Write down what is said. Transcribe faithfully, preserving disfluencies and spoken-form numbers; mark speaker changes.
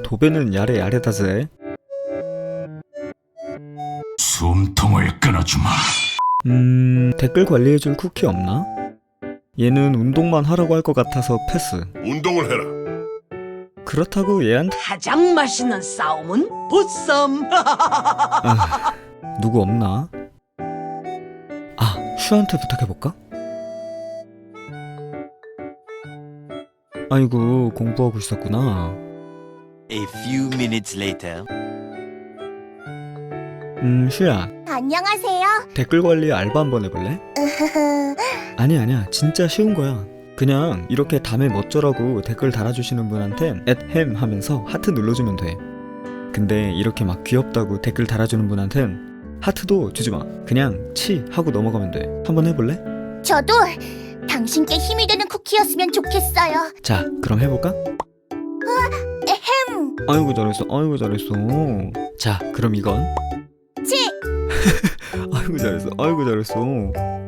Speaker 1: 도배는 야래 야래다ぜ.
Speaker 2: 숨통을 끊어주마.
Speaker 1: 음... 댓글 관리해줄 쿠키 없나? 얘는 운동만 하라고 할 것 같아서 패스.
Speaker 3: 운동을 해라.
Speaker 1: 그렇다고 얘한테
Speaker 4: 가장 맛있는 싸움은 보쌈.
Speaker 1: 아... 누구 없나? 아... 슈한테 부탁해볼까? 아이고 공부하고 있었구나.
Speaker 5: A few minutes later.
Speaker 1: 음... 슈야
Speaker 6: 안녕하세요.
Speaker 1: 댓글 관리 알바 한번 해볼래? 아니 아니야 진짜 쉬운 거야. 그냥 이렇게 담에 멋져라고 댓글 달아주시는 분한텐 앳햄 하면서 하트 눌러주면 돼. 근데 이렇게 막 귀엽다고 댓글 달아주는 분한텐 하트도 주지마. 그냥 치 하고 넘어가면 돼. 한번 해볼래?
Speaker 6: 저도 당신께 힘이 되는 쿠키였으면 좋겠어요.
Speaker 1: 자 그럼 해볼까?
Speaker 6: 에헴.
Speaker 1: 아이고 잘했어 아이고 잘했어. 자 그럼 이건
Speaker 6: 치.
Speaker 1: 아이고 잘했어 아이고 잘했어.